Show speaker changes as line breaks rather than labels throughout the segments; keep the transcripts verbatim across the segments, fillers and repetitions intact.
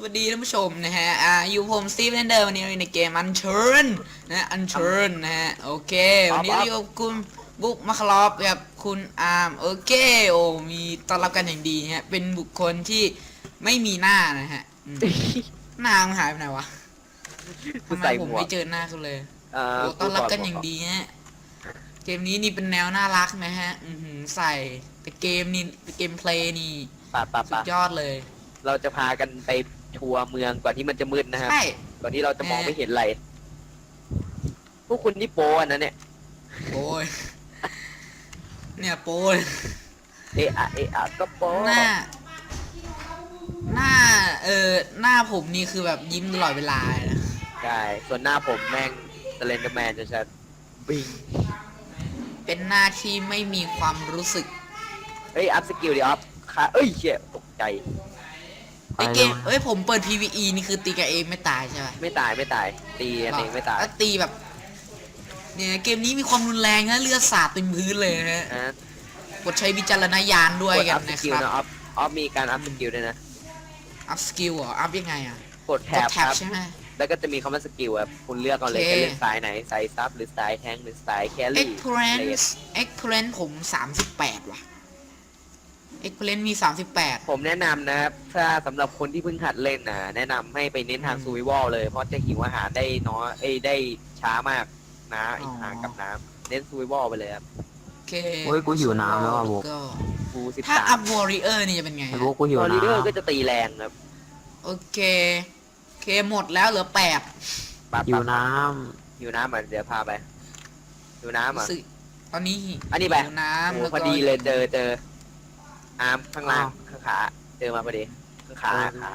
วัสดีท่านผู้ชมนะฮะอ่าอยู่ผมสตีฟเรนเดอร์วันนี้ในเกมอันเชิญนะอันเชิญนะฮะโอเควันนี้เราอยู่กับคุณบุ๊กมาคลอฟกับคุณอาร์มโอเคโอ้มีต้อนรับกันอย่างดีฮะเป็นบุคคลที่ไม่มีหน้านะฮะอืมหน้ามันหายไปไหนวะทำไมผมไม่เจอหน้าเขาเลยโอ้ต้อนรับกันอย่างดีฮะเกมนี้นี่เป็นแนวน่ารักนะฮะอือใส่แต่เกมนี่เกมเพลย์นี่สุดยอดเลย
เราจะพากันไปทัวร์เมืองก่อนที่มันจะมืดนะครับก่อนที่เราจะมองไม่เห็นอะไรพวกคุณนี่โป้นะเนี่ย
โป้ยเนี่ยโป้ย
เอะอะเอะอะก็โป้
หน้าหน้าเออหน้าผมนี่คือแบบยิ้มตลอดเวลานะ
ใช่ส่วนหน้าผมแม่งสเลนเดอร์แมนจะชัดบิง
เป็นหน้าที่ไม่มีความรู้สึก
เฮ้ยอัพสกิลดิอัพค่ะเอ้ยเชี่ยตกใจ
ไอเกมเอ้ยผมเปิด พี วี อี นี่คือตีกับเองไม่ตายใช่ไหม
ไม่ตายไม่ตายตีอันเองไม่ตาย
แล้วตีแบบเนี่ยเกมนี้มีความรุนแรงนะเลือดสาดเต็มพื้นเลยนะฮะกดใช้วิจารณญาณด้วยกันนะครับ
อัพอัพมีการอัพสกิลด้วยนะ
อัพสกิลเหรออัพยังไงอ่ะ
กดแท็บครับ
ใช่ไหม
แล้วก็จะมีคำว่าสกิลแบบคุณเลือกเอาเลยจะเล่นสายไหนสายซับหรือสายแทงหรือสายแครี่
Experience Experience ผมสามสิบแปดว่ะเอ็กเพลนมีสามสิบแปด
ผมแนะนำนะครับถ้าสำหรับคนที่เพิ่งหัดเล่นนะแนะนำให้ไปเน้นทางซูวิวอลเลยเพราะจะหิวอาหารได้น้อยเอ้ได้ช้ามากนะอีกทางกับน้ำเน้นซูวิวอลไปเลยครับ
โอเค
โอ้ยกูหิวน้ำแล้วอ่ะบุ๊ก
กูสิบ
ถ้า
สาม
อัพวอริเออร์นี่จะเป็นไง
บุ๊กกูหิวน้ำวอ
ริเออร์ก็จะตีแรงครับ
โอเคโอเคหมดแล้วเหลือแปด
หิวน้
ำหิวน้ำอ่ะเดี๋ยวพาไปหิวน้ำอ่ะ
ตอนนี้
อันนี้ไป
น้ำ
พอดีเลยเจอเจออาร์มข้างล่างข้างขาเจอมาพอดีข้างขาขา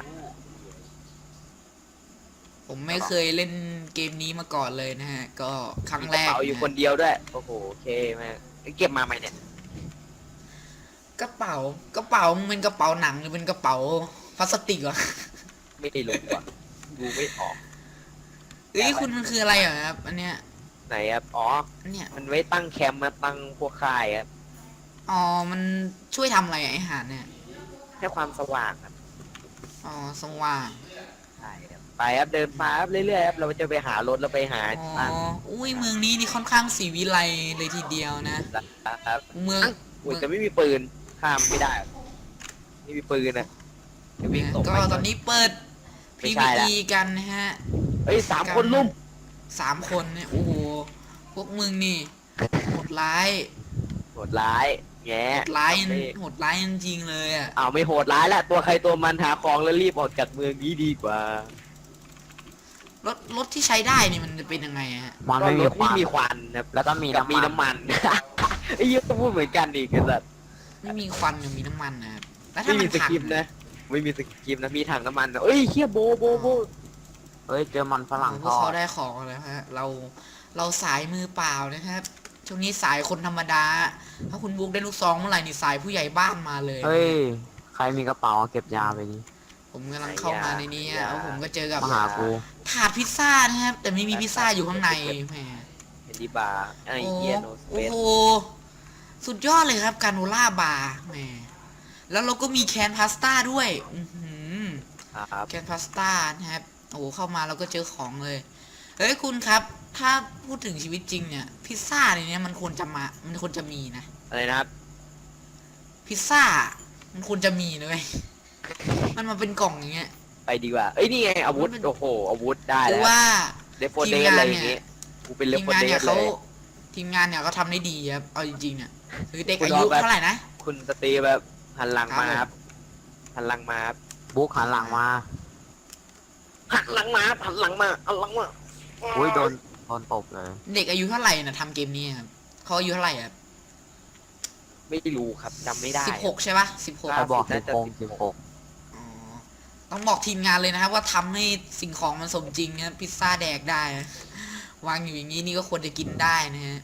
ผมไม่เคยเล่นเกมนี้มาก่อนเลยนะฮะก็ครั้งแรก
กระเป๋าอยู่คนเดียวด้วยโอ้โหโอเคแม่เก็บมาไหมเนี่ย
กระเป๋ากระเป๋ามันเป็นกระเป๋าหนังหรือเป็นกระเป๋าพลาสติกวะ
ไม่ได้รู้ว่ะดูไม่ออก
เอ้ยคุณมันคืออะไรเหรอครับอันเนี้ย
ไหนครับอ๋อ
เนี่ย
มันไว้ตั้งแคมป์มาตั้งพวกค่ายครับ
อ๋อมันช่วยทำอะไรไอ้หาเนี่ย
ให้ความสว่างครับ
อ๋อสว่าง
ใช่ครับไปครับเดินมาครับเรื่อยๆครับเราจะไปหารถเราไปหา
อ๋ออุ้ยเมืองนี้นี่ค่อนข้างสีวิไลเลยทีเดียวนะครับเมือง
อุ้ยแต่ไม่มีปืนข้ามไม่ได้ไม่มีปืนนะ
ก็ตอนนี้เปิด พี วี อี กันนะฮะ
เฮ้ยสามคนลุ่ม
สามคนเนี่ยโอ้โหพวกมึงนี่โหดร้าย
โหดร้ายแง่
โหดร้ายโหดร้ายจริงๆเลยอ่ะ
อ้าวไม่โหดร้ายแล้วตัวใครตัวมันหาของแล้วรีบออกจากเมืองนี้ดีกว่าร
ถรถที่ใช้ได้นี่มันจะเป็นยังไงฮะ
มันไม่มีควัน
มีควันครับ
แล้วก็มีน้ำ
มีน้ำมันไอ้ยี่ก็พูดเหมือนกันอีกสัตว์
ไม่มีควันยังมีน้ำมันนะครับแล้วถ้า
ไม่มีสกิปนะไม่มีสกิปนะมีถังน้ำมันเอ้ยเฮียโบโบโบ
เฮ้ยเจอมันฝรั่ง
พวกเขาได้ของแล้วฮะเราเราสายมือเปล่านะครับช่วงนี้สายคนธรรมดาถ้าคุณบุ๊กได้ลูกซองเมื่อไหร่นี่สายผู้ใหญ่บ้านมาเลย
เฮ้ยใครมีกระเป๋าเก็บยาไปนี่
ผมกำลังเข้ามาในนี้แล้วผมก็เจอกับ
มาหากู
ถาดพิซซ่านะครับแต่ไม่มีพิซซ่าอยู่ข้างในแหม
เฮนดี้บาร์ไอเอียโนสเปซ
โอ้โหสุดยอดเลยครับการโนล่าบาร์แหมแล้วเราก็มีแคนพาสต้าด้วยแคนพาสต้านะครับโอ้โหเข้ามาเราก็เจอของเลยเฮ้ยคุณครับถ้าพูดถึงชีวิตจริงเนี่ยพิซซ่าในนี้มันควรจะมามันควรจะมีนะ
อะไรนะครับ
พิซซ่ามันควรจะมีเลยมันมาเป็นกล่องอย่างเงี้ย
ไปดีกว่าเอ้ยนี่ไงอาวุธโอ้โหอาวุธได้แล้ว
ว่า
ทีมงานเนี่ยกูเป็นเลฟโฟเดสเลย
ทีมงานเนี่ยเขาทำได้ดีครับเอาจริงๆเนี่ยคือเด็กอายุเท่าไหร่นะ
คุณสตีแบบหันหลังมาครับหันหลังมาครับ
บุ๊กหันหลังมา
หันหลังมาหันหลังมาหันหลังมา
อุ้ยโดนโดนตบเลย
เด็กอายุเท่าไหร่นะทำเกมนี้ครับเขาอายุเท่าไหร่ครับ
ไม่รู้ครับจำไม่ได้
สิบหกใช่ปะสิบหก
ใครบอกสิบหกสิบหก
ต้องบอกทีมงานเลยนะครับว่าทำให้สิ่งของมันสมจริงนะพิซซ่าแดกได้วางอยู่อย่างนี้นี่ก็ควรจะกินได้นะฮะ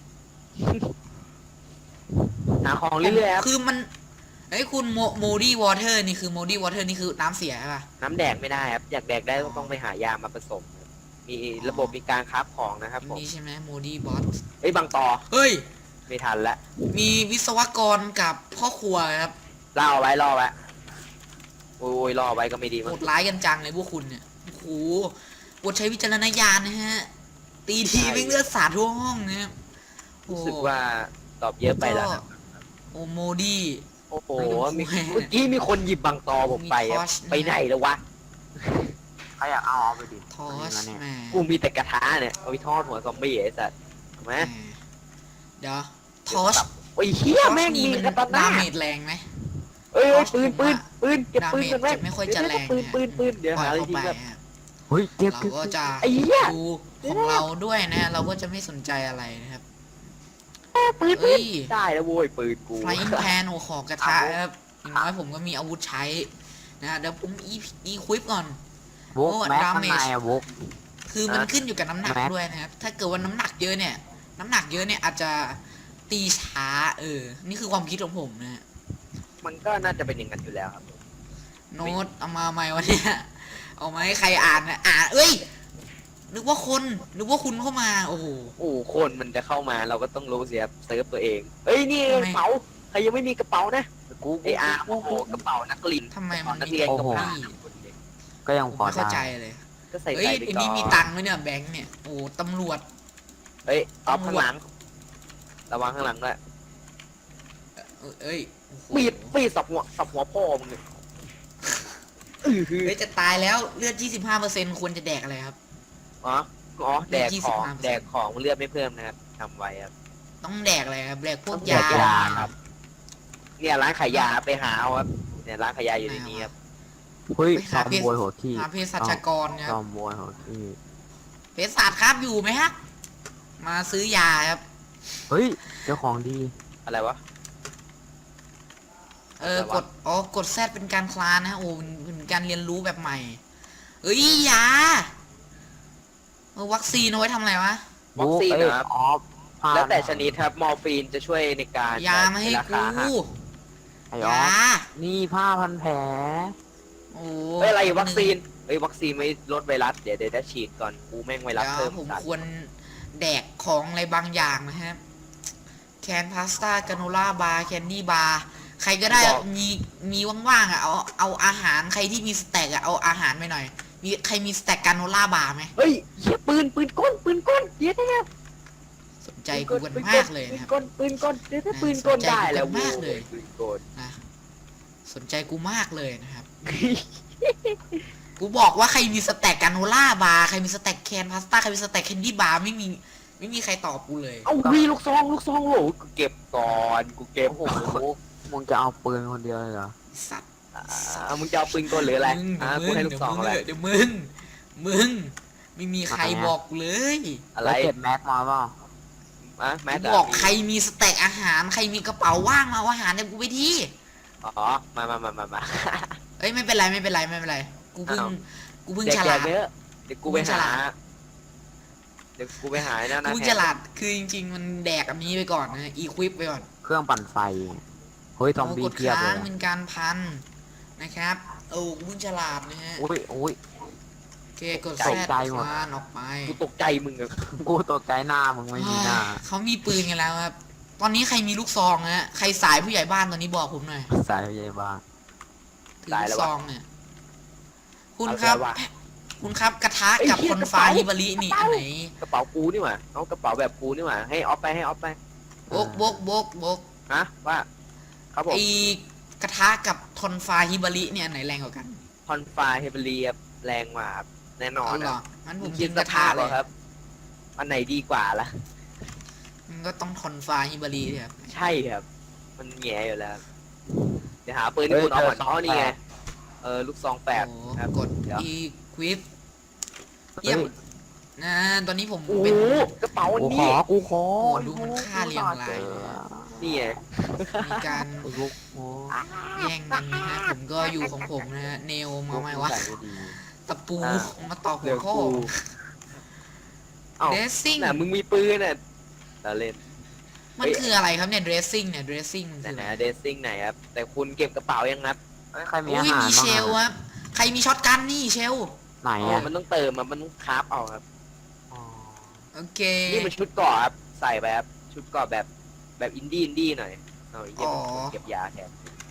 หาของเรื่อยๆ
คือมันไอ้คุณโมดี้วอเตอร์นี่คือโมดี้วอเตอร์นี่คือน้ำเสียใช่ปะ
น้ำแดกไม่ได้ครับอยากแดกได้ต้องไปหายามาผสมมีระบบมีการคราฟของนะครับผม
นี่ใช่ไหมโมดี้บอส
เฮ้ยบางต่อ
เฮ้ย
ไม่ทันละ
มีวิศวกรกับพ่อครัวครับ
เล่าไว้รอไว้โโอ้ยรอไว้ก็ไม่ดี
โห
มั้ง
ดร้ายกันจังเลยพวกคุณเนี่ยโอ้โหโปรดใช้วิจารณญาณนะฮะตีทีไม่งเลือดสาดทั่วห้องนะครับโอ้
รู้สึกว่าตอบเยอะไปแล้วนะ
โอโมดี้
โอ้โห
ไม่ต้อง
มี
คุย
เมื่อกี้มีคนหยิบบังตอผมไป
มี
อะ
ทอช
ไปไหนแล้ววะ
ใครอยากเอาเอาไปดิ
ทอส
เนี่ย
แหม
กูมีแต่กระทะเนี่ยเอาไปทอดหัวซอมบี้ไอ้สัตว์ถูกไหม
แหมเดี๋ยวทอส
โอ้ยเฮียแม่ง
นี่
มี
มัน
กระตันห
ดา
น้า
เมจแรงไหม
เอ้ย
ทอส
ปืน
ผม
ปืน
ว่า
ปืนเก็บปืน
ดาเมจ
กันแม่
จะไม่ค่อยจะแรง
ปืน
นะ
ปืนปืนเดี๋ยว
ปล่อ
หายอะไร
เข้า
ทิ้
ไป
งแบบ
ฮะ
เฮ้ยเก็บ
เรา
เก็บ
ก็จะ
ไอ้เหี้ย
ดูของเราด้วยนะ เราก็จะไม่สนใจอะไรนะครับ
ปืนปื
เอ้
น
ย
ได้แล้วโว้ยปืนกู
ไฟอิงแพนโอขอกระทะครับอย่างน้อยผมก็มีอาวุธใช้นะเดี๋ยวผมอีอีควิปก่อน
วก
โอ้
แม็ก
ดา
ข้าง
เมจ
ในอะวก
คือมันขึ้นอยู่กับน้ำหนัก
แม็ก
ด้วยนะครับ ถ้าเกิดว่าน้ำหนักเยอะเนี่ย น้ำหนักเยอะเนี่ยอาจจะตีช้า เออ นี่คือความคิดของผมนะฮะ
มันก็น่าจะเป็นอย่างนั้นอยู่แล้วครับ
โน้ตเอามาใหม่วันนี้เอามาให้ใครอ่านนะอ่านเอ้ย นึกว่าคนนึกว่าคุณเข้ามา โอ้โห
โอ้คนมันจะเข้ามาเราก็ต้องรู้เสียเซิร์ฟตัวเองเอ้ยนี่
ทำไม
กระเป๋าใครยังไม่มีกระเป๋านะ
กู
ไออาร์โอ้โหกระเป๋านักเรียน
ทำไมมัน
นัก
มี
เรียน
โอ้
กับ
โห
ผ้า
ก็ยัง
ผม
พอ
ไม่เข้าใจ
ได้
เลย
ก็ใส่
เฮ้ย
ใส่ไป
ไอ้
ก่อ
นี่มี
น
ตังค์ไหมเนี่ยแบงค์เนี่ย โอ้ตำรวจ
เอ้ยออฟ
ตำรวจ
ข้างหลังระวังข้างหลังด้วย
เออเอ้ยโอ้โห
ปีดปีดสับหัวสับหัวพ่อมึงเลยอือหือ
เฮ้ยจะตายแล้วเลือด ยี่สิบห้าเปอร์เซ็นต์ ควรจะแดกอะไรครับ
อ๋ออ๋อแดกของ
ยี่สิบห้าเปอร์เซ็นต์
แดกของเลือดไม่เพิ่มนะครับทำไว้ครับ
ต้องแดกอะไรครับแดกพวก
แด
ยา
กยาครับเนี่ยร้านขายยาไปหาเอาครับเนี่ยร้านขายยาอยู่ในนี้ครับ
เฮ้ย
ไป
ซ
หา
อม
เพศ
บวยหัวขี้
หาเภสัชกรเนี่ย
ซอมบวยหัวขี้
เภสัชครับอยู่ไหมฮะมาซื้อยาครับ
เฮ้ยเจ้าของดี
อะไรวะ
เออกดอ๋อกดแซดเป็นการคลานนะฮะโอ้เป็นเป็นการเรียนรู้แบบใหม่ เอ้ยยาเออวัคซีนเอาไว้ทำอะไรวะ
วัคซีน
เอ้ย
นะครับ
ออฟผ้า
แล้วแต่ชนิดครับมอร์ฟีนจะช่วยในการ
ยามาให้
รา
กู
คาหัก
ไอ้ออฟ
ยา
นี่ผ้าพันแผล
โอ้
เอ้ยอะไรวัคซีนเอ้ยวัคซีนไม่ลดไวรัสเดี๋ยวเดี๋ยวจะฉีดก่อนกูแม่งไวรัส
เดี๋ยว
เพิ่ม
ผม
สัตว์
ควรแดกของอะไรบางอย่างนะครับแคนพาสต้ากาโนล่าบาร์แคนดี้บาร์ใครก็ได้มีมีว่างๆอ่ะเอาเอาอาหารใครที่มีสแต็กอ่ะเอาอาหารไปหน่อย มีใครมีสแต็กกาโนล่าบาร์ไหม
เฮ้ยเหี้ยปืนปืนก้นปืนก้นเดี๋ยวนะ
สนใจกูกันมากเลยนะครับ
ปืนก้นปืนก้นเดี๋ยวถ้าปืนก้นได้แล้ว
สนใจกูกันมากเลย
ปืนก้น
นะสนใจกูมากเลยนะครับ กูบอกว่าใครมีสแต็กกาโนล่าบาร์ใครมีสแต็กแคนพาสต้าใครมีสแต็กแคนดี้บาร์ไม่มีไม่มีใครตอบกูเลย
เอาวีลูกซองลูกซองโหลกูเก็บก่อนกูเก็บ
โอ้โหมึงจะเอาปืนคนเดียวเลยเหรอ
ไอ้สัตว์
อ่ามึงจะเอาปืนก้นหรืออะไร
มึง
อ่า
เดี๋
กู
ยว
ให้
มึ
ลู
ง
กซองอะไร
เดี๋ยวมึงมึงไม่มีใครบอกกูเลย
อะไร
แล้วเก็บแม็กมาเปล่า
อ่ะแม้
กู
แต่
บอกใครมีสแต็กอาหารใครมีกระเป๋าว่างมาเอาอาหารเนี่ยกูไปที่
อ๋อมามามามามา
เอ้ยไม่เป็นไรไม่เป็นไรไม่เป็นไรกูเพิ่ง
อ้าว
กูเพิ่ง
เด็ก
ฉ
แก
ลาด
เยอะเดี๋ยวกูไป
กูฉ
หา
ลาด
เดี๋ยวกูไปหาไอ้นั่น
กู
นะ
เพิ่งฉลาดคือจริงๆมันแดกอันนี้ไปก่อนนะอีควิปไปก่อน
เครื่องปั่นไฟเฮ้ยซอมบี้
กด
เทียบเล
ค้าง
ย
เป็นการพันนะครับโอ้กูเพิ่งฉลาดนะฮะ
อุ้ยอุ้ย
โอเคกด
ใจ
แซด
ใจหมด
คลานออกไป
กูตกใจมึงอะ
กูตกใจหน้ามึงไม่มีหน้า
เขามีปืนกันแล้วครับ ตอนนี้ใครมีลูกซองนะฮะใครสายผู้ใหญ่บ้านตอนนี้บอกผมหน่อย
สายใหญ่บ้าน
ถือลูกซองเนี่ย คุณครับ
เอาไปวะ
คุณครับกระทะกับ
ไอ้เหี้ย
คนฟ้าก
ระเป๋า
ฮิบารินี่อันไหน
กระเป๋ากูนี่หว่าเอากระเป๋าแบบกูนี่หว่าให้ออฟไปให้ออฟไป
บกบกบกบก
ฮะว่าครับผม
ไอกระทะกับทอนฟ้าฮิบาริเนี่ยอันไหนแรงกว่ากัน
คอนฟาเฮเบรียแรงกว่าครับแน่นอน
เอาเหรอ
นะ
งั้นผ
มึ
ม
ง
กิ
คิด
น
ส
กระทะ
ภาพ
เล
เหรอย ครับ อันไหนดีกว่าล่ะ
มันก็ต้องทอนฟ้าฮิบาริเนี่ยครับ
ใช่ครับ มันแง่อยู่แล้ว เดี๋ยวหาปืนที่คุณเอาก่อนอ๋อนี่ไง เออลูกซองแปด
โอ้
ครับ
กด
เดี๋ยว
อีควิปเยี่ยมนะตอนนี้ผม
โอ้โห
เป็น
กระเป๋าอัน
กูข
นี้
อกูขอ
โอ้ดูมันค่าเรียงราย
นี่ไง
มีการ
กูลุกโอ้
แย่งกันนะฮะผมก็อยู่ของผมนะฮะเนลมาไหมวะ
ใส่ไม่ดี
ตะปูมาตอกหั
เดี๋
ว
ยว
ข้อ
กูเอ้า
เดรสซิ่ง
น่ะมึงมีปืนน่ะเราเล่น
มันคืออะไรครับเนี่ยเดรสซิ่งเนี่ยเดรสซิ่งมัน
แต่
คือ
ไหน
อะไร
เดซซิ่งไหนครับ แต่คุณเก็บกระเป๋ายังครับ
เฮ้ยใครมี
อุ้
อาย หาร
มีเช
บ้าง
ล
อะ
ครับใครมีช็อตกันนี่เชล
ไหน
อ๋อ
อ่ะ
มันต้องเติมอะมันต้องคราฟเอาครับ
อ๋อ
โอเค
นี่มันชุดเกราะครับ ใส่แบบชุดเกราะแบบแบบอินดี้อินดี้หน่อย เอาไอ้เหี้ย
อ๋อ
เก็บยาแทน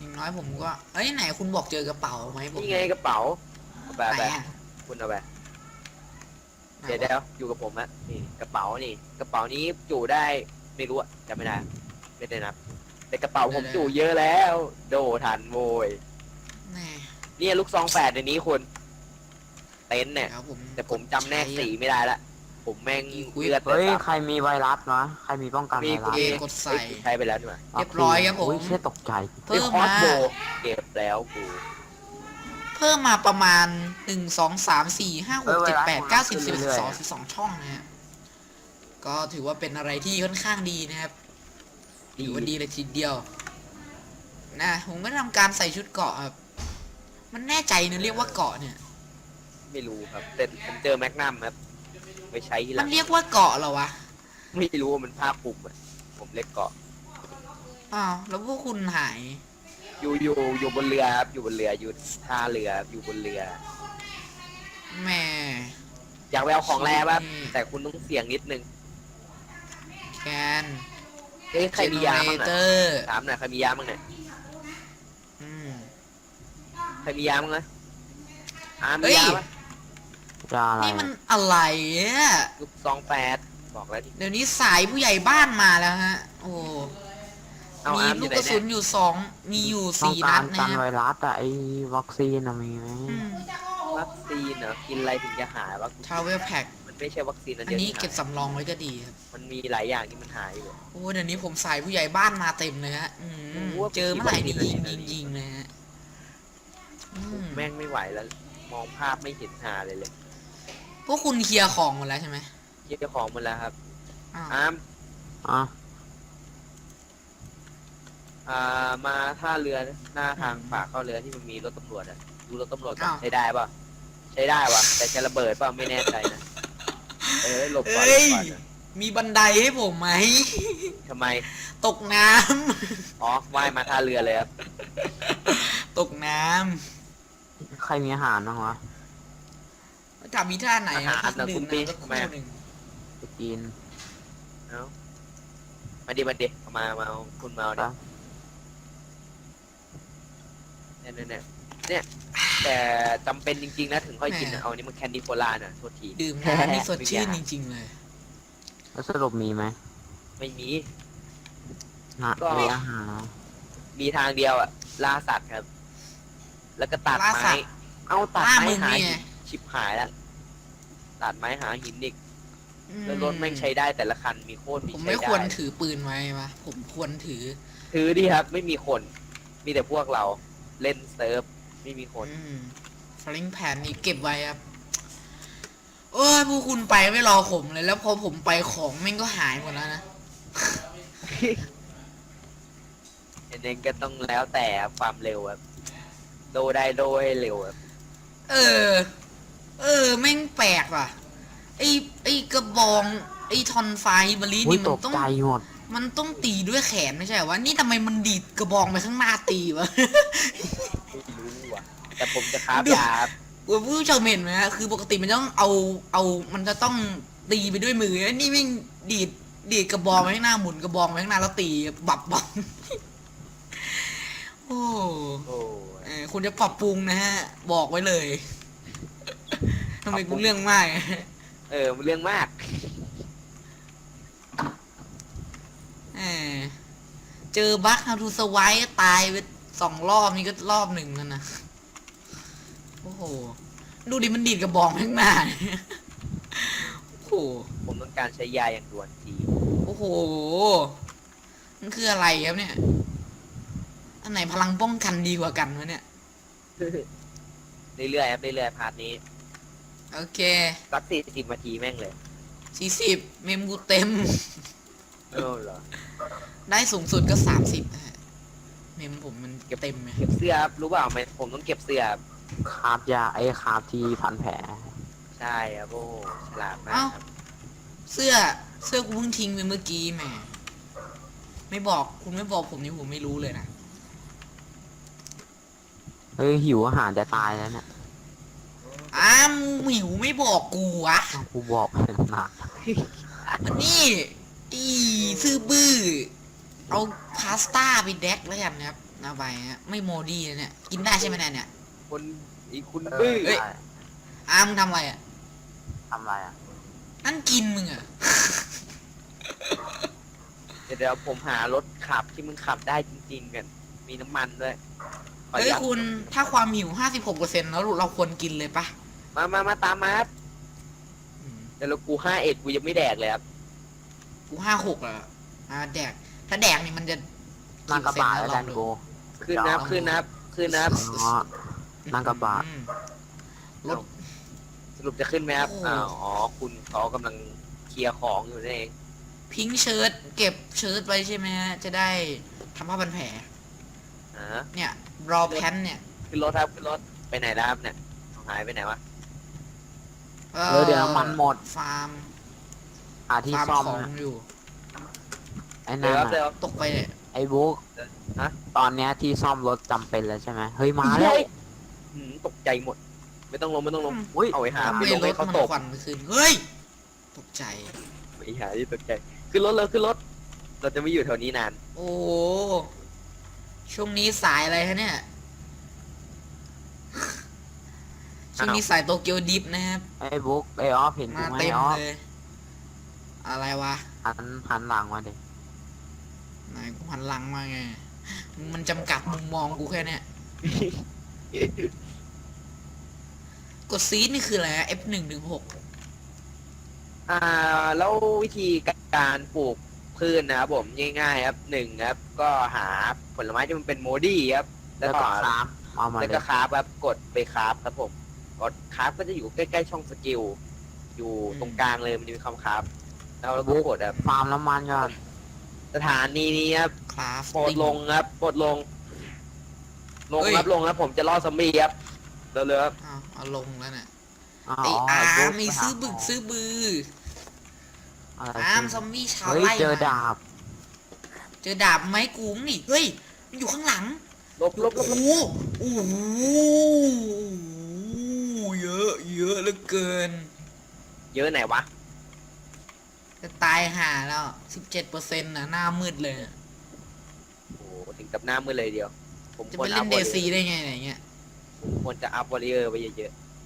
อย่างน้อยผมก็เอ้ยไหนคุณบอกเจอกระเป๋าไหมผม
นี่ไงกระเป๋าเอาไป
ไหน
ไป
อะ
คุณเอาไป
ไหน
เดี๋ยวเดี๋ยวอยู่กับผมอะนี่กระเป๋านี่กระเป๋านี้จุได้ไม่รู้อะจำไม่ได้ไม่ได้นับแต่กระเป๋าผมจุเยอะแล้ว โดทันโวย
แน่
เนี่ยลูกซองแฝดในนี้คุณเต็นท์เนี่ย
เดี๋ยวผม
แต่ผมจำแนกสีไม่ได้ละผมแม่ง
อีกวิ
เลือด
เฮ้ย
แต่
ใครมีไวรัสวะใครมีป้องกันไว
มี
รัส
เอกดใส่
เอ้ยใช้ไปแล้วนี่หว่า
เรียบร้อยครับผม
อุ้ยเชี่ยตกใจ
เพิ่ม
คอ
มา
สโบเก็บแล้วกู
เพิ่มมาประมาณหนึ่งสองสามสี่ห้าหกเจ็ดแปดเก้าสิบสิบเอ็ดสิบสองสิบสองช่องนะฮะก็ถือว่าเป็นอะไรที่ค่อนข้างดีนะครับถือว่าดีเลยทีเดียวนะผมก็ทำการใส่ชุดเกราะครับมันแน่ใจนะเรียกว่าเกราะเนี่ย
ไม่รู้ครับแต่ผมเจอแมกนัมครับไปใช้ทีห
มั
ลั
น
ง
เรียกว่าเกราะเหรอวะ
ไม่รู้ว่ามันผ้าคลุมอะผมเล็กเกาะ
อ้าวแล้วพวกคุณหาย
อยู่อยู่อยู่บนเรือครับอยู่บนเรืออยู่ท่าเรืออยู่บนเรือ
แหม่
อยากไปเอาของแร่ป่ะ
อืม
แต่คุณต้องเสี่ยงนิดนึง
แกน
เอ้ยใครมียาบ้าง
เต
น่ะ
อร์
ถามหน่อยใครมียาบ้างเนี่ย
อืม
ใครมียาบ้างนะอา
เฮ้
มี
ย
ยาป่ะ
จะอะไร
นี่มันอะไรอ่ะ
ลูกซองแปดบอกแล้วดิ
เดี๋ยวนี้สายผู้ใหญ่บ้านมาแล้วฮะ โอ้
เอา
มี
อาร์มอ
ลู
ยู่
ก
ไหน
กระสุ
เนี่ย
นอยู่สอง มีอยู่
ต้อง
สี่
กา
นั
ร
ด
กั
นะ
นไว
ฮะ
รัสอะไอวัคซีนอะมีไหม
อืม
วัคซีนเหรอกินอะไรถึงจะหายวะ
ทราเวลแพ็ค
มันไม่ใช่วัคซีนอัน
อัน
เดียว
นี้
ที่
เก็บ
หาย
สำรองไว้ก็ดีครับ
มันมีหลายอย่างที่มันหายอยู่
โอ้เดี๋ยวนี้ผมสายผู้ใหญ่บ้านมาเต็มเลยฮะอืม
โอ้โห
เจอเมื่อไหร่นี่ยิง
เป็น
ยิง
ที่
ยิงเลยฮะอืม
แม่งไม่ไหวแล้ว มองภาพไม่เห็นหาเลยเลย
พวกคุณเคลียร์ของหมดแล้วใช่ไหม
เยี่ยของหมันแล้วครับ
อ้าว
อาร์ม
อ่ะ
อ่ามาท่าเรือหน้าทางปากเข้าเรือที่มันมีรถตำรวจอะดูรถตำรวจกันใช้ได้ป่ะใช้ได้ป่ะแต่จะระเบิดป่ะไม่แน่ใจนะเออหลบก่อนหล
เอ้
บ
ย
ก่อนนะ
มีบันไดให้ผมไหม
ทำไม
ตกน้
อ๋อว่ายมาท่าเรือเลยครับ
ำ ตกน้
ใครมีอาหารบ้างวะ
ำจับมีท่าไหน
อาหาร
พัก
นะ
ดื่
คุ
ม
ณพี่
น้ำสักค
ทำไม
รู่
อะ
หนึ่ง
ไปกิน
เอ้ามาดิมาดิเอามามาเอาคุณมาเอาดิ
ครับ
เนี่ยเนี่ยเนี่ยเนี่ยแต่จำเป็นจริงๆนะถึงค่อยกินนะเอานี่มันแคนดี้โคลาน่ะโทษที
ดื่มน้ำนี่สดชื่นจริง ๆ เลย
แล้วสรุปมีไหม
ไม่มี
นะ
ก็
มีอาหาร
มีทางเดียวอะล่าสัตว์ครับ แล้วก็ตัด
ล่าสั
ไม้
ตว์
เอาตัด
ล่า
ไม้
มึง
หา
นี่
หิ
ไง
นชิบหายแล้วตัดไม้หาหินอีก
อืม
แล้วรถแม่งใช้ได้แต่ละคันมีโคตรมี
ผม
ใช้
ไม่
ได้
ควรถือปืนไว้ปะผมควรถือ
ถือดิครับ ไม่มีคน มีแต่พวกเราเล่นเซิร์ฟไม่มีคน
อืมฟลิงแผ่นนี่เก็บไว้ครับโอ้ยพวกคุณไปไม่รอผมเลย แล้วพอผมไปของแม่งก็หายหมดแล้วนะ
อันนี้ก็ต้องแล้วแต่ความเร็วครับโดได้โดให้เร็วครับ
เออ เออ แม่งแปลกว่ะ ไอไอกระบอง ไอทอนไฟบรี
อุ้ย
นี่มั
ต
น
ก
ต้อง
ใจหมด
มันต้องตีด้วยแขนไม่ใช่เหรอวะ นี่ทำไมมันดีดกระบองไปข้างหน้าตีวะ
ไม่รู้อ่ะ แต่ผมจะคราบ
ดู
ยาครับ
คุณผู้ชมเห็นไหมฮะคือปกติมันต้องเอา เอา มันจะต้องตีไปด้วยมือไอ้นี่แม่งดีด ดีดกระบองไปข้างหน้าหมุนกระบองไปข้างหน้าแล้วตีบับบับ โอ้
โอ้
เออคุณจะปรับปรุงนะฮะ บอกไว้เลย ทำไมกูเรื่องมาก
เออมันเรื่องมาก
เออเจอบัคฮาทูสไวท์ตายไปสองรอบนี่ก็รอบหนึ่งแล้วนะ โอ้โห ดูดิมันดีดกระบองข้างหน้า โอ้โห
ผมต้องการใช้ยาอย่างด่วนที
โอ้โห มันคืออะไรครับเนี่ย อันไหนพลังป้องกันดีกว่ากันวะเนี่ย
เรื่อยๆครับเรื่อยๆพาร์ทนี้
โอเค
สักสี่สิบนาทีแม่งเลย
สี่สิบเมมกูเต็ม
เออเหรอ
ได้สูงสุดก็สามสิบเมมผมมันเต็มไหม
เก็บเสื้อครับรู้เปล่าไหมผมต้องเก็บเสื้อครับ
คาบยาไอ้คาบที่พันแผล
ใช่ครับโอ้โหฉลาดมาก
เอ้า
ครับ
เสื้อ เสื้อกูเพิ่งทิ้งไปเมื่อกี้แหม ไม่บอกคุณไม่บอกผมนี่ผมไม่รู้เลยนะ
เฮ้ยหิวอาหารจะตายแล้วเนี่ย
อ้ามหมิวไม่บอกกูวะ
อ้าวกูบอกไปหนัก
อันนี้อีซื่อบื้อ เอาพาสต้าไปแดกแล้วกันนะครับ อเอาไปฮะไม่โมดีเลยเนี่ยกินได้ใช่ไหมเนี่ยเนี่ย
คนอีกคุณ
เอ
บื้อ
อได้
อาร์มงทำอะไรอ่ะ
ทำอะไรอ่ะ
นั่นกินมึงอ่ะ
เดี๋ยวเดี๋ยวผมหารถขับที่มึงขับได้จริงๆกัน มีน้ำมันด้วยขอ
เฮ้ย
ยัด
คุณถ้าความหิวห้าสิบหกเปอร์เซ็นต์แล้วเราควรกินเลยปะ
มามามาตามมาครับ
อืม
แต่แล้วกูห้าเอ็ดกูยังไม่แดกเลยครับ
กูห้าหกแล้วอ่าแดกถ้าแดกนี่มันจะ
นั่งกระบะแล้ว
ล
กั
อง
น
ดู
กู
ขึ้นนับขึ้นนับขึ้นนับ
อ๋อนั่งกระบะ
อืมรถ
สรุปจะขึ้นไหมครับ
โอ้
อ้าวอ๋อคุณเขากำลังเคลียร์ของอยู่นั่นเอง
พิงค์เชิ้ตเก็บเชิ้ตไว้ใช่ไหมฮะจะได้ทำผ้าพันแผล
อ่า
เนี่ยรอแพนเนี่ย
ขึ้นรถครับขึ้นรถไปไหนแล้วครับเนี่ยหายไปไหนวะ
เอ
เออเดี๋ยวน้ำมันหมด
ฟาร์ม
หาที่
ฟาร์ม
ซ่อม
ของ
นะ
อยู่
ไอ้
เดี๋
นั่
ยวน ครับเดี๋ยว
น่ะ
ตกไปเนี่ย
ไอ้บุ๊ก
ฮะ
ตอนเนี้ยที่ซ่อมรถจำเป็นแล้วใช่ไหมเฮ้ยมาแล้ว
หืมตกใจหมด ไม่ต้องลงไม่ต้องลง
อุ้ย
เอาไว้หา
ทำ
ไป
ไม
ลง
ร
ให้
ถ
เขา
มัน
ตก
ควันขึ้นเฮ้ยตกใจ
ไปหาที่ตกใจขึ้นรถเลยขึ้นรถ เราจะไม่อยู่แถวนี้นาน
โอ้โหช่วงนี้สายอะไรฮะเนี่ย ช่วงนี้สายโตเกียวดิฟนะครับ
ไอ้บุ๊กไอ้ออฟเห็นกู
มา
ไหม
เต็ม
ออฟ
เลย อะไรวะ
หันหันหลังมาดิ
ไหนกูหันหลังมาไง มันจำกัดมุมมองกูแค่เนี้ยกดซีดนี่คืออะไร เอฟ หนึ่งถึงหก
อ่าแล้ววิธีการปลูกพืชนะครับผมง่ายๆครับหนึ่งครับ ก็หาผลไม้ที่มันเป็นโมดี้ครับ แล้
แล้ว ว
ก็
ก็คราฟเอามา
แล้ว
เล
ก็
ย
คราฟครับกดไปคราฟครับผมกดคราฟก็จะอยู่ใกล้ๆช่องสกิลอยู่ตรงกลางเลยมันจะมีคำคราฟแล้วเราก็กดแบบ
ฟาร์มน้ำมันก่อน
สถานีนี้ครับ
คราฟ
โปรดลงครับโปรดลง ลงครับลงครับผมจะล่อซอมบี้ครับเร็วๆครับ
เอาเอาลงแล้วเนี่ย
อ๋อ
ไออา
บุ๊
ร์
ก
มีซื้อบึกซื้อบือ
อะไร
อาร์ม
ขึ้น
ซอมบี้ชาว
เฮ้ย
ไร่
เจอ
มา
ดาบ
เจอดาบไม้กูงนี่ เฮ้ย มันอยู่ข้างหลัง
ลบลบล
โอ้
บ
โหโอ้โหเยอะเยอะเหลือเกิน
เยอะไหนวะ
จะตายห่าแล้วสิบเจ็ดเปอร์เซ็นต์นะหน้ามืดเลย
โอ้โหถึงกับหน้ามือเลยเดียว ผม
จะ
คว
ไป
ร
เล่
อัพ
น
ว
เด
อลเล
ซี
ย
ได้ไงอะไรเงี้ย
ผมควรจะอัพวอลเลอร์ไปเยอะ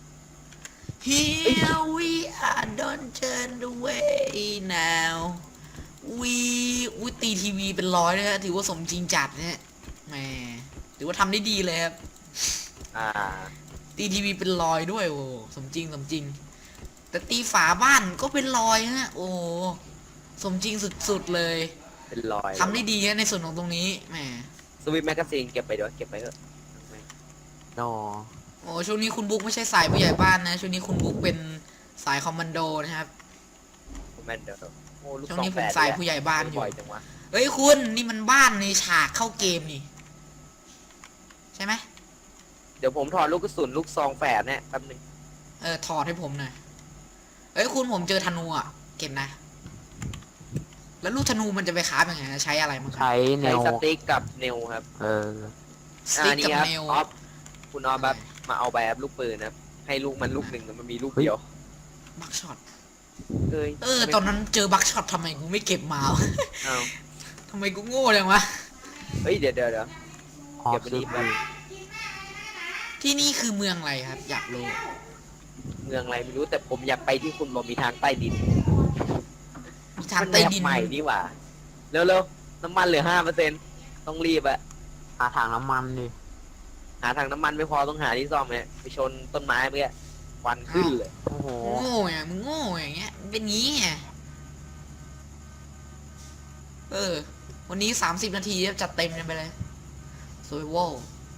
Here we are don't turn away now we อุ้ยตีทีวีเป็นร้อยนะฮะถือว่าสมจริงจัดเนี่ยแหมถือว่าทำได้ดีเลยครับ
ๆอ่า
ตีทีวีเป็นรอยด้วยโอ้สมจริงสมจริง แต่ตีฝาบ้านก็เป็นรอยฮะโอ้สมจริงสุดๆเลย
เป็นรอย
ทำได้ดีฮะในส่วนของตรงนี้แหม
สวิตแมกกาซีนเก็บไปด้วยเก็บไปเถอะ
โน
โอ้ช่วงนี้คุณบุ๊กไม่ใช่สายผู้ใหญ่บ้านนะช่วงนี้คุณบุ๊กเป็นสายคอมมานโดนะครับ
แมนเดอร์โอ้ลูก
ช่วง
ซอง
นี้ผ
แฝ
ม
ด
สายผู้ใหญ่บ้านอยู่
บ่อยจังวะ
เฮ้ยคุณนี่มันบ้านในฉากเข้าเกมนี่ ใช่ไหม
เดี๋ยวผมถอดลูกกระสุนลูกซองแฝดเนี่ยแป๊บนึง
เออถอดให้ผมหน่อยเฮ้ยคุณผมเจอธนูอ่ะเก็บนะ แล้วลูกธนูมันจะไปคราฟยังไงใช้อะไรมั้งครับ
ใช้เน
ใช้
ว
สติ๊กกับเนลครับ
เออ
ส
อ่า
ติ๊ก
นี่
กับ
ครับ
เนล
ออฟคุณออฟแบบมาเอาแบบลูกปืนนะครับให้ลูกมันลูกหนึ่งแต่มันมีลูกเดียว
บักช็อต
เอ้ย
เออตอนนั้นเจอบักช็อตทำไมกูไม่เก็บมาวะ
อ้าว
ทำไมกูโง่จังวะ
เฮ้ยเดี๋ยวเดี๋ยวเดี๋ยว
ออ
เก็
ฟ
บไป
ซื้
ดี
อ
ไป
ปืน
ที่นี่คือเมืองอะไรครับ อยากรู้
เมืองอะไรไม่รู้แต่ผมอยากไปที่คุณบอกมีทางใต้ดิน
มีทางใต้ดิน
มันแมปใหม่นี่หว่าเร็วๆน้ำมันเหลือห้าเปอร์เซ็นต์ต้องรีบอะ
หาถังน้ำมันดิ
หาทางน้ำมันไม่พอต้องหาที่ซ่อมเนี่ยไปชนต้นไม้เมื่อควันขึ้นเลย
โอ้โห
โง่ไงมึงโง่อย่างเงี้ยมันเป็นงี้ไงเออ วันนี้สามสิบนาทีจัดเต็มกันไปเลยสวยโว้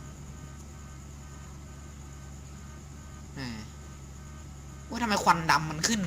แหมว่าทำไมควันดำมันขึ้น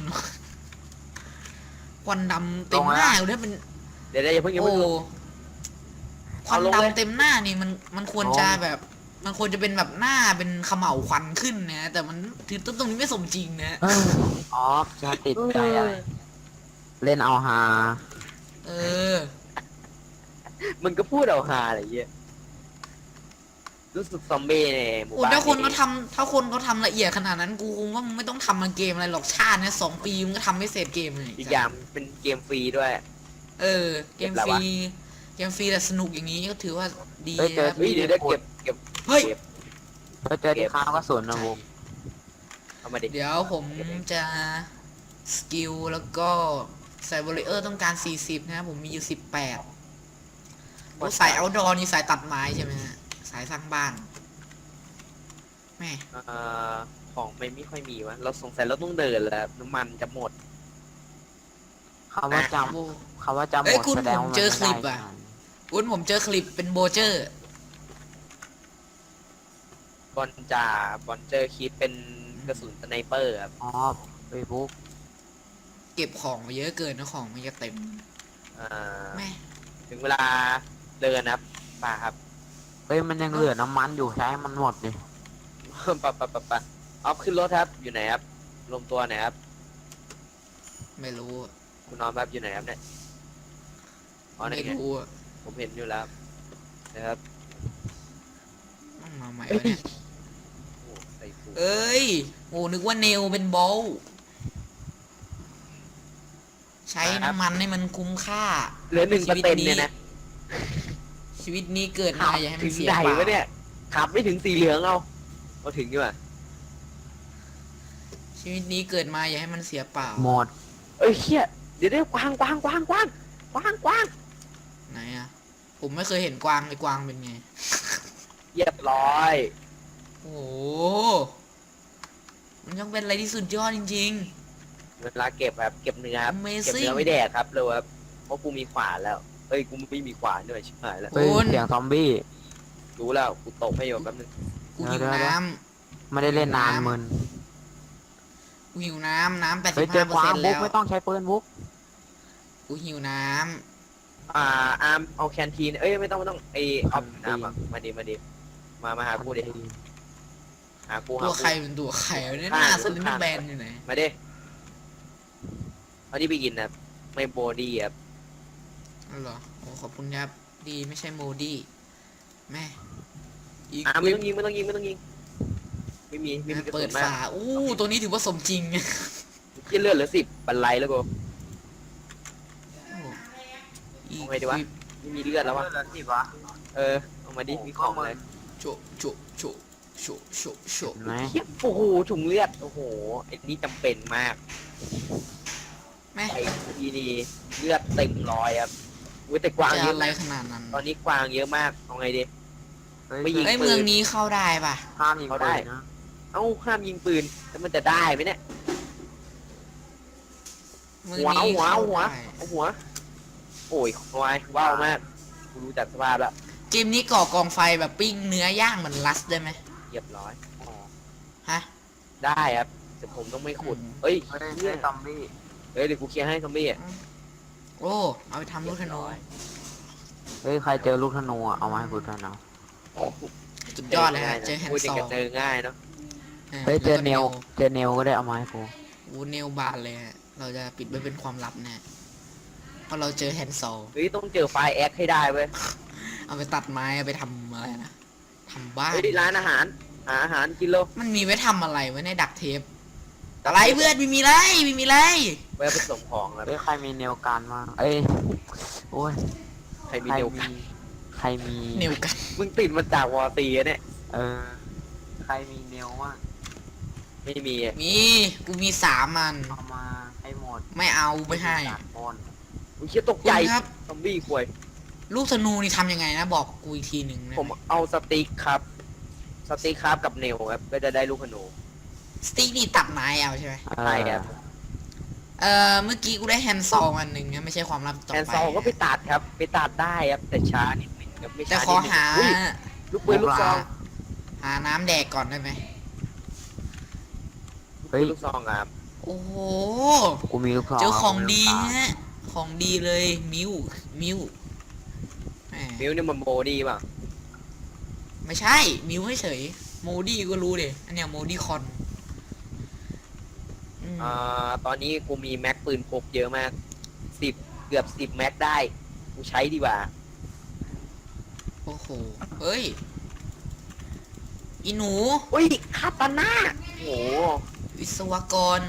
ควันดำเต็มหน้าอยู่ด้วยเป็น
เดี๋ยวเดี๋ยวอย่าเพิ่งอย่า
โอ้
เพิ่งลง
ควัน
เอาลงเลย
ดำเต็มหน้านี่มันมันควรจะแบบ มันควรจะเป็นแบบหน้าเป็นเขม่าวควันขึ้นนะแต่มันถือต้นตรงนี้ไม่สมจริงนะ
เออออฟจะติดใจอะไรเล่นเอาฮา
เออ
มึงก็พูดเอาฮาอะไรเงี้ยรู้สึกซอมบี้ในหมู่
โอ้
บ้าน
ถ้าคน
นี่
เขาทำถ้าคนเขาทำละเอียดขนาดนั้นกูคงว่ามึงไม่ต้องทำมาเกมอะไรหรอกชาติเนี่ยสองปีมึงก็ทำไม่เสร็จเกมเลย
อีกอย่างเป็นเกมฟรีด้วย
เออ เกม
เกมอะไร
ฟ
วะ
รีเกมฟรีแต่สนุกอย่างนี้ก็ถือว่าดี
เฮ้ยเจอ
ครับ
เฮ้ยเดี๋ยวได้เก็บเก็บ
เฮ้ย
เก็บ
เฮ้ยเจอที่ค้างกระสุนนะบุ้ม
เอามาดิ
เดี๋ยวผมจะสกิลแล้วก็ใส่บริเออร์ต้องการสี่สิบนะครับผมมีอยู่สิบแปดสายเอาดอนี่สายตัดไม้ใช่ไหมฮะสายสร้างบ้านแม่
เอ่อของไม่ไม่ค่อยมีวะเราสงสัยเราต้องเดินแล้วน้ำมันจะหมด
คำว่าจ
โอ้
ำคำว่าจำห
เอ้
ม
ย
ด
คุณ
แสดงว่า
ผม
มัน
เจอ
ไม่
คลิป
ได้
อะ อุ้นผมเจอคลิปเป็นโบเจอร์
บอลจ่าบอลเจอคิดเป็นกระสุนสไนเปอร์ครับ
อ๋อเฟซบุ๊ก
เก็บของมาเยอะเกินนะของมันจะเต็ม
เอ่อ
แม่
ถึงเวลาเดินนะครับป่าครับ
เฮ้ยมันยังเหลือน้ำมันอยู่ใช้ให้มันหมดดิ
ปะปะปะปะออฟขึ้นรถครับอยู่ไหนครับรวมตัวไหนครับ
ไม่รู้อะ
คุณน้องครับอยู่ไหนครับเนี่ยอ๋อไหน
ไม่
ไง
รู้อะ
ผมเห็นอยู่แล้วนะครับ
ต้องมาใหม่วะเนี่ย
โอ้ใส่ฟู
เอ้ยโอ้นึกว่าเนลเป็นโบลใช้น้ำมันให้มันคุ้มค่า
เหลือหนึ่งเปอร์เซ็นต์เนี่ยนะ
ชีวิตนี้เกิดมาอย่าให้มั
ถึ
น
ง
เสีย
ไหน
เปล่าว
ะเนี่ยขับไม่ถึงสีเหลืองเอาเอาถึงดีกว่า
ชีวิตนี้เกิดมาอย่าให้มันเสียเปล่า
หมด
เอ้ยเชี่ยเดี๋ยวเดี๋ยวกวางกวางกวางกวางกวางกวาง
ไหนอะผมไม่เคยเห็นกวางเลยกวางเป็นไง
เรียบร้อย
โอ้โหมันยังเป็นอะไรที่สุดยอดจริง
เวลาเก็บครับเก็บเนื้อครับ
Amazing
เก็บเนื้อไว้แดกครับเร็วครับเพราะกูมีขวานแล้วเอ้ยกูไม่มีขวานด้วยชิบหายแล้ว
เฮ้ย
คุณ
เสียงซอมบี้
รู้แล้วกูตกให้โยมแป๊บนึง
ๆ กูหิว
เดี๋ยวๆ
น้
ไม่ได้เล่นนานมึน
ำกูหิวน้ำน้ำแปด
เฮ้
สิ
ย
บ
เจ
ห้า
อ
เปอร์
กวา
เซ็
ง
นต์
บุ๊
แล้
ก
ว
ไม่ต้องใช้ปืนบุ๊ก
กูหิวน้
อ่าอาร์มเอาแคนทีนเอ้ยไม่ต้องไม่ต้องไอออฟน้ำอ่ะมาดิมาดิมามาหากูดิหากู
ำ
หา
ตัว
กู
ใครเป็นตัวใครวะเนี่ยหน้าสลิมแบนอยู่ไหน
มาดิเอาที่ไปกินนะไม่โบดี้ครับ
อ๋อเหรอโอ้ขอบคุณครับดีไม่ใช่โมดี้แม่อีก
อาร์มไม่ต้องยิงไม่ต้องยิงไม่ต้องยิงไม่มีไม่มีกระ
เปิ
สุ
ด
นมาก
ฝาอู้ตัวนี้ถือว่าสมจริง
ที่เลือดเหลือสิบบันไลแล้วกู
อีก
เอาไงดีวะ ไม่มีเลือดแล้ววะ
สิวะ
เออเอามาดิมีของเลย
โฉโฉโฉโฉโฉโฉ
เห็นไหม
เหี้ยโอ้โหถุงเลือดโอ้โหไอ้นี่จำเป็นมาก
แม่
ไอ้ทีนี่เลือดเต็มร้อยครับอุ้ยแต่กวาง
จะ
เยอะ
อะไร
มาก
ขนาดนั้น
ตอนนี้กวางเยอะมากเอาไงดี
เฮ้ย
ไม่ยิง
เอ้ยเมืองนี้เข้าได้ป่ะ
ห้ามยิง
เขา
ปื
ได้
นนะ
เอ้าห้ามยิงปืนแล้วมันจะได้ไหมเนี่ย
เมือง
หัวเอา
นี้
หัว
เข้า
เอาหัว
ได้
เอาหัว โอ้ยควายว้าวมากกูรู้จักสภาพแล้ว
เกมนี้ก่อกองไฟแบบปิ้งเนื้อย่างเหมือนลัสได้ไหม
เรียบร้อย
ฮะ
ได้ครับแต่ผมต้องไม่ขุด
อืม
เอ้ย
เฮ้ย
เหี้ย
ซอมบี้
เฮ้ยเดี๋ยวกูเคลียร์ให้ซอมบี้อ่ะ
โอ้เอาไปทำลูกธนู
เฮ้ยใครเจอลูกธนูอ่ะเอามาให้กูด้วยนะ
สุดยอดเลยฮะเจอแฮน
พูด
ด์
อ
ซ
ย่าง
อ
กับเจอง่ายเนาะ
เฮ้ยเจอเนลเจอเนลก็ได้เอามาให้กู
วูเนลบานเลยฮะเราจะปิดไว้เป็นความลับแน่เพราะเราเจอแฮนด์ซอล
เฮ้ยต้องเจอไฟแอคให้ได้เว้ย
เอาไปตัดไม้เอาไปทำอะไรนะทำบ้าน
เฮ้ยร้านอาหารหาอาหารกินโล
มันมีไว้ทำอะไรไว้ในดักเทปอะไรเพื่อนไม่มีไรไม่มีไร
ไว้ผสมของแล้ว
เฮ้ยใครมีเนลการมางเอ้ยโอ้ย
ใครมี
ใคร
เดียว
มีใครมี
เนวกัน
มึงติดมาจากวอร์ตีอะเนี่ย
เออใครมีเนลว่าง
ไม่มีอะ
มีกูมีสามอัน
เอามาให้หมด
ไม่เอาไม่ให้
ตัดบน
อุ้ยเชี่ยตก
คุ
ใจ
ณครับ
ซอมบี้ควย
ลูกธนูนี่ทำยังไงนะบอกกูอีกทีหนึ่งนะ
ผมเอาสติ๊กครับ สติ๊กครับกับเนลครับก็จะได้ลูกขนู
สติ๊กนี่ตัดไม้เอาใช่ไหม
เอ
ใช่
อ
ครับ
เอ่อเมื่อกี้กูได้แฮนด์ซองอันหนึ่งนะไม่ใช่ความลับต่อ
แอน
ไป
ซอลก็ไปตัดครับ ไปตัดได้ครับ แต่ช้านิดนึงครับไม่
แต่
ช้า
ขอ
นิดนึง
หา
อุ้ยลูกปืนลูกซอง
หาน้ำแดกก่อนได้ไหม
ลูกปืนลูกซองครับ
โอ้โห
กูมีลูกซอง
เจอของดี
ลูกซอง
ฮะของดีเลยมิวมิวแหม
มิวนี่มันโบดีป่ะ
ไม่ใช่มิวเฉยโมดี้ก็รู้เดอันเนี้ยโมดี้คอนอืม
อ่าตอนนี้กูมีแม็กปืนพกเยอะมากสิบเกือบสิบแม็กได้กูใช้ดีกว่า
โอ้โหเฮ้ยอีหนู
อุ้ยคาตาน่าโอ้โห
วิศวกร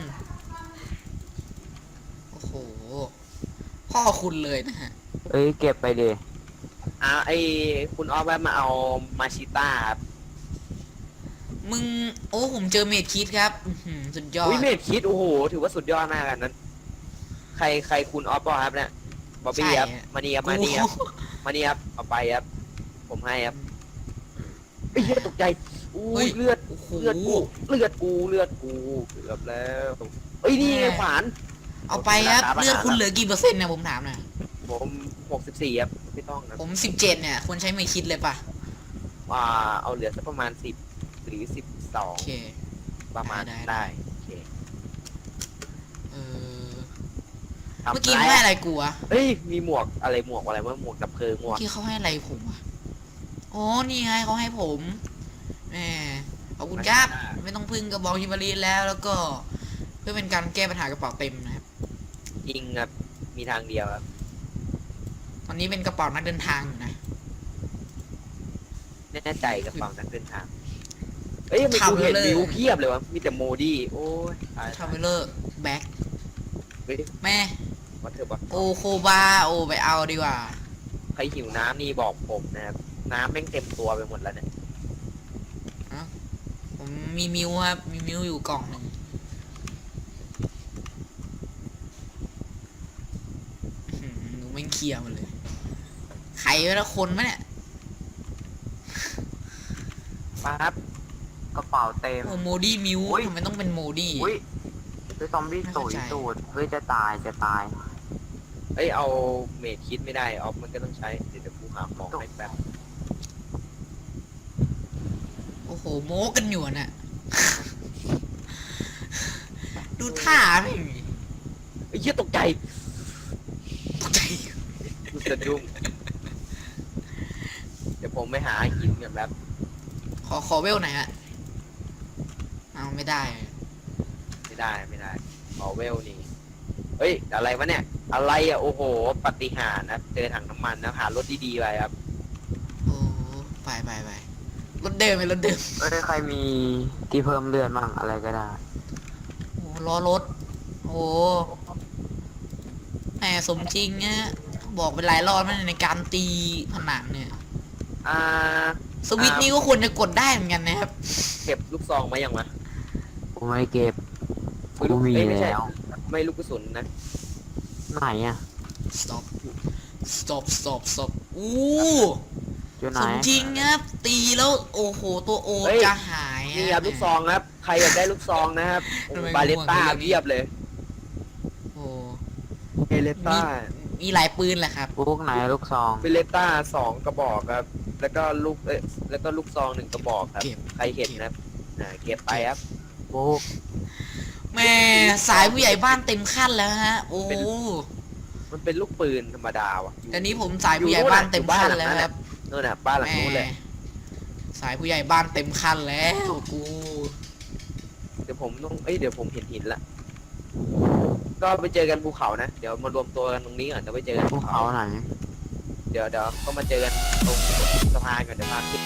โอ้โห พ่อคุณเลยนะฮะ
เอ้ยเก็บไปดิ
อ่าไอคุณออฟแวะมาเอามาชิต้าครับ
มึงโอ้ผมเจอเมดคิดครับอื้อหือสุดยอด
อุ้ยเมดคิดโอ้โหถือว่าสุดยอดมากอันนั้น ใครใครคุณออฟบอครับเนี่ยบอบบี้ครับมานี่ครับมานี่ครับมานี่ครับเอาไปครับผมให้ครับไอ้เหี้ยตกใจอุ้
เฮ้
ย
ย
เลือด
โอ้โห
เลือดกูเลือดกูเลือดกูเกือบแล้วเอ้ยนี่ไงขวาน
เอาไปครับเลือดคุณเหลือกี่เปอร์เซ็นต์เนี่ยผมถามหน่อย
ผมหกสิบสี่ครับไม่ต้องนะ
ผมสิบเจ็ดเนี่ยควรใช้เมดคิดเลยป่ะ
อ่าเอาเหลือสักประมาณสิบหรือสิบสอง
โอเค
ประมาณ
ได้ได้
ได้โอเค
เออ
ทำ
เมื่อกี้ไม่ให้อะไรกูวะ
เฮ้ยมีหมวกอะไรหมวกอะไรวะหมวกดับเพลิงหมว
เมื่อก กี้เขาให้อะไรผมวะอ๋อนี่ไงเขาให้ผมแหมขอบคุณครับไม่ต้องพึ่งกระบอกฮิมารีแล้วแล้วก็ เพื่อเป็นการแก้ปัญหากระเป๋าเต็มนะครับ
จริงครับมีทางเดียวครับ
ตอนนี้เป็นกระเป๋านักเดินทางอยู่นะ
แน่ใจกับฝั่งนักเดินทางเอ้ยทำไมกูเห็นวิวเพียบเลยวะมีแต่โมดี้โอ้ยตาย
ทราเวลเลอร์แบ็ค
เฮ้ย
แม่
วัดเถอะวะ
โอโคบาโอไปเอาดีกว่า
ใครหิวน้ำนี่บอกผมนะครับน้ำแม่งเต็มตัวไปหมดแล้วเนี่ย
ผมมีมิวครับมีมิวอยู่กล่องหนึ่งอื้อหือหนูไม่งเคลียร์มันเลยใครวะละคนมะเนี่ย
ปั๊บ
กระเป๋าเต็ม
โอ้โมดี้มิว
อุ๊ย
ทำไมต้องเป็นโมดี้
อุ้ยคือซอมบี้
ไม่
ตุ
เข้าย ใจ
ตูดเฮ้ยจะตายจะตาย
เอ้ยเอาเมดคิดไม่ได้ออฟมันก็ต้องใช้เดี๋ยวเดี๋ยวกูหาของให้แป๊บ
โอ้โหโม้กันอยู่น่ะ ดูท่าไม่ง
ไอ้เหี้ยตกใจ
ตกใจ
กูสะดุ้งเดี๋ยวผมไปหาหินกันแป๊บ
ขอขอเวลหน่อยฮะเอาไม่ได้
ไม่ได้ไม่ได้ขอเวลนี่เฮ้ยอะไรวะเนี่ยอะไรอ่ะโอ้โหปาฏิหาริย์นะเจอถังน้ำมันนะหารถดีๆไปครับ
โอ้ไปไปไปรถเดิมไปรถเดิม
เอ้ยใครมีที่เพิ่มเลือดมั่งอะไรก็ได้
โอ้ล้อรถ โอ้แหมสมจริงเนี่ยบอกไปหลายรอบแล้วในการตีผนังเนี่ย
อ่า
สวิตช์นี้ก็ควรจะกดได้เหมือนกันนะครับ
เก็บลูกซองมายังวะ
กูไม่เก็บ
ไม่
กู
ลูก
มี
เอ้ยไม่ใช่
แล้ว
ไม่ลูกกระสุนนะ
ไหนอ่ะ
stop stop stop stop อู้
อยู่ไหน
สมจริงครับ ตีแล้วโอ้โหตัวโอจะหาย
นี่ครับลูกซองครับใครอยากได้ลูกซองนะครับโอ้
ทำไม
บาเลต้า
ง่วง
เพียบเลย
โอ้
เบเลต้า
มีหลายปืนแหละครับ
พวกไหนลูกซอง
เบเลต้าสองกระบอกครับ แล้วก็ลูกเอ้ยแล้วก็ลูกซองหนึ่งกระบอกครับ
เก็บ
ใครเห็นนะครับอ่าเก็บไปครับ
พวก
แม่สายผู้ใหญ่บ้านเต็มขั้นแล้วฮะ โอ้
เป็น มันเป็นลูกปืนธรรมดาว่ะ
ตอนนี้ผมสายผู้ใหญ่บ้านเต็มขั้นแล้วครับ
นู่นน่ะบ้านหลัง
แม่
นู้นเลย
สายผู้ใหญ่บ้านเต็มขั้นแล้วกู
เดี๋ยวผมต้องเอ้ยเดี๋ยวผมเห็นหินละก็ไปเจอกันภูเขานะเดี๋ยวมารวมตัวกันตรงนี้ก่อนเดี๋ยวไปเจอกัน
ภู
ภู
เขา
เขา
ไหน
เดี๋ยวเดี๋ยวก็มาเจอกันตรงสะพานก่อนเดี๋ยวพาขึ้น